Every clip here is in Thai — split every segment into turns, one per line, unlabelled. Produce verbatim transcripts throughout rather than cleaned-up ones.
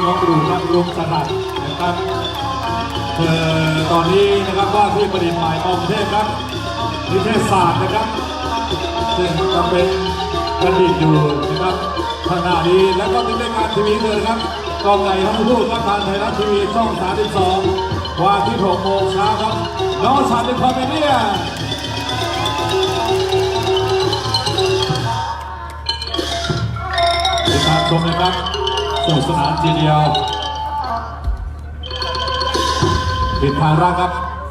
น้องดูน้องรุมสลัดนะครับเอ่อตอนนี้นะครับว่าที่ประดิษฐ์ใหม่กรุงเทพครับนิเทศศาสตร์นะครับซึ่งจะเป็นประดิษฐ์อยู่นะครับขณะนี้แล้วก็ที่รายการทีวีเลยครับกองไก่ทั้งคู่ครับทางไทยรัฐทีวีช่องสามสิบสองวันที่หกโมงเช้าครับน้องสันติคอมเมดี้ติดตามชมนะครับสนุกสนานทีเดียวผิดทางรักครับ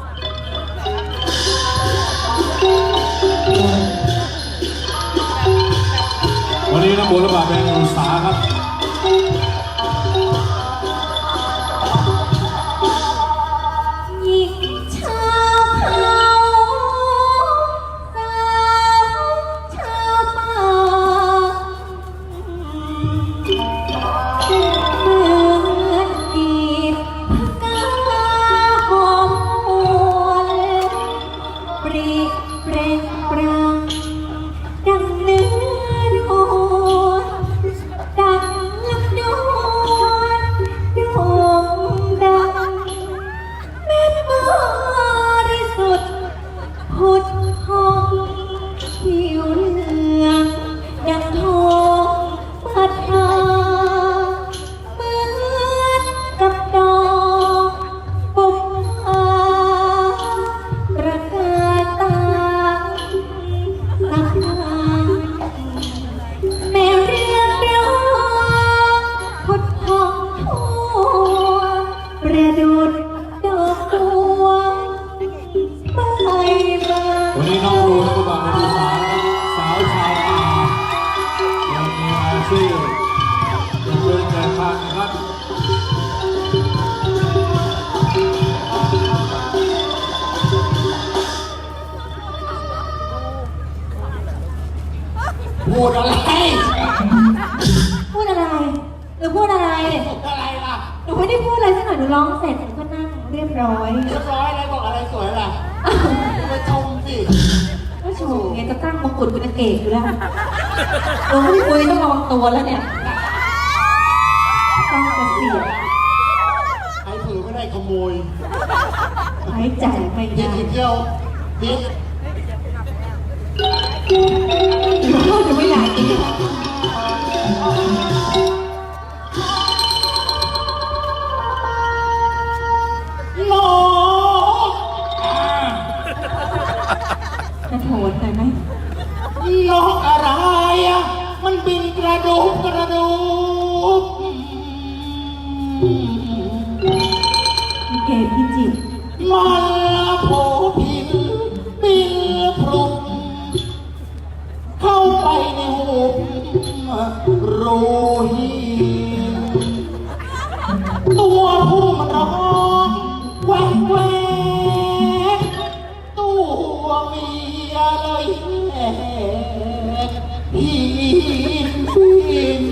วันนี้นักบุญระบาดแบงอุตสาหครับวันนี้น้องรู้แล้วก็บอกเป็นสาวสาวชาวป่ายังมีอาชีพยังเป็นแต่พันครับพูดอะไร
พูดอะไรหรือพูดอะไร
อะไรล่ะ
หนูไม่ได้พูดอะไรสักหน่อยหนูร้องเสร็จหนูก็นั่งเรียบร้อย
เรียบร้อยอะไรบอกอะไรสวยล่ะมาชมสิ
ก็โชว์ไงจะตั้งมงกุฎเป็นนางเอกอยู่แล้วโอ้ยคุยต้องระวังตัวแล้วเนี่ยต้องกระเสีย
ไอ้เผือไม่ได้ขโมย
หายใจไม่ได้
ยิงเที่ยวยิง
พูดจะไม่อยากกิน
นก
จะโถนหน่อยไหม
นกอะไรอ่ะมันบินกระดูกกระดูก
มีเกมพี่จิต
มันโผผินบินพรุนเข้าไปในหุบรูหินตัวผู้มันร้องแหวกแหวกตัวเมียเลยแหกหินหิน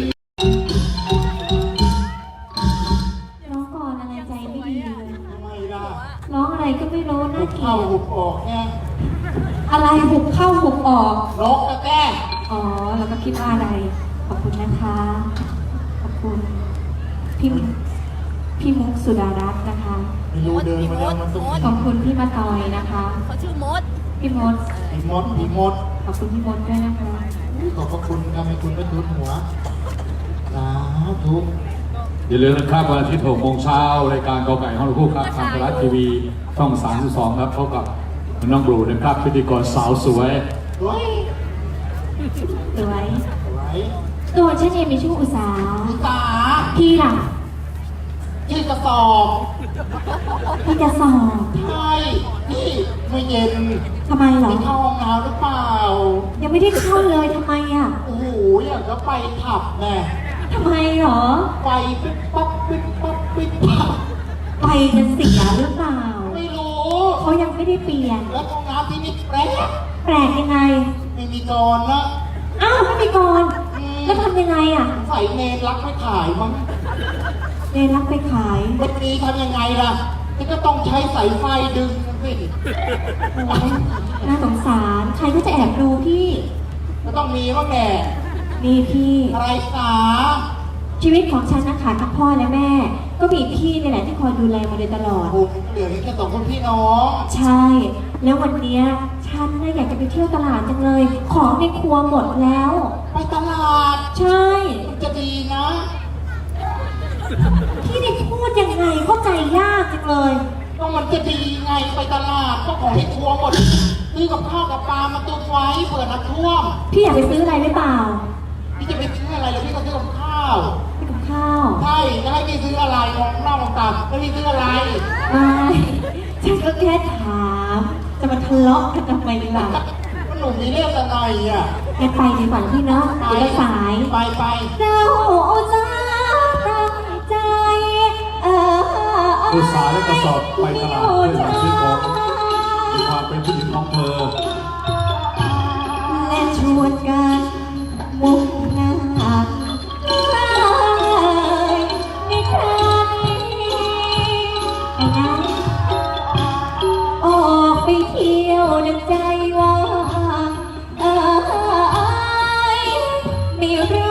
ร้องก่อนอะไรใจไม่ดีเลย
ทำไมล่ะ
ร้องอะไรก็ไม่รู้น่าเกลียด
เข้าหุบออกไง
อะไรหุบเข้าหุบออก
นกกระแต
อ๋อแล้วก็คิดว่าอะไรขอบคุณนะคะขอบคุณพี่พี่มุกสุดารัตน์นะคะ
ไม่รู้เดินมาแล้วมันต้อง
ขอบคุณพี่มาตอยนะคะ
เขาชื่อมด
พี่มด
พี่มดพี่มด
ขอบคุณพี่มดด้วยนะคะ
ขอบพระคุณครับให้คุณไม่ทุบหัวสาธุ
อย่าลืมนะครับวันอาทิตย์หกโมงเช้ารายการกอไก่ห้องคู่ครับทางไทยรัฐทีวีช่องสามสิบสองครับพบกับน้องบลูนะครับพิธีกรสาวสวย
สวย
สวย
สวย
ตัวฉันเองมีชื่ออุษา
อุษา
พี่ล่ะ
ที่กระสอบ
พี่จะสอบ
ใช่นี่ไม่เย็น
ทำไมเหรอ
เข้าห้องน้ำหรือเปล่า
ยังไม่ได้เข้าเลยทำไมอ่ะ
โอ้โหอยากจะไปผับแน่
ทำไมเหรอ
ไปปิ๊บปั๊บปิ๊บปั๊บปิ๊บปั๊บ
ไปจะเสียหรือเปล่า
ไม่รู้
เขายังไม่ได้เปลี่ยน
แล้วห้องน้ำที่นี่แปลก
แปลกยังไง
ไม่มีกรนะ
อ้าวไม่มีกรแล้วทำยังไงอ่ะ
ใส่เนรรักไม่ขายมั้ง
เนรรักไปขาย
วันนี้ทำยังไงล่ะก็ต้องใช้สายไฟดึงสิ
น่าสงสารใครก็จะแอบดูพี่
ก็ต้องมีบ้างแหละ
มีพี่
อะไรสา
ชีวิตของฉันนะคะทั้งพ่อและแม่ ก็มีพี่นี่แหละที่คอยดูแลมาโดยตลอด
โอ้เหลือแค่สองคนพี่น้อง
ใช่ แล้ววันเนี้ยฉันน่ะอยากจะไปเที่ยวตลาดจังเลย ของในครัวหมดแล้ว
ไปตลาด
ใช่
มันจะดีนะ
พี่ได้พูดยังไงเข้าใจยากจังเลย
ก็มันจะดีไงไปตลาดก็ของที่ครัวหมดซื้อกับข้าวกับปลามาตุนไว้เผื่อน้ำท่วม
พี่อยากไปซื้ออะไรหรือเปล่า
พี่จะไปซื้ออะไรแล้วพี่ก็ซื้อกับข้าว
ไปกับข้าว
ใช่จะให้พี่ซื้ออะไรมองนอกมองตาแล้วพี่ซื้ออะไร
ไม่ฉันก็แค่ถาม จะมาทะเลาะกันทำไมล่ะ
ก็หนุ่มมีเรื่องอะไรอ่ะ
งั้นไปดีกว่าพี่เนาะเดี๋ยวจะสาย
ไปไป
เราจะตั้งใจเออ
อุตสาห์และกระสอบไปตลาดเพื่อหาซื้อของมีความเป็นผู้หญิงของเธอ
และชวนกันมุ่งหน้าในครั้งไปนะออกไปเที่ยวดังใจว่าเออไม่รู้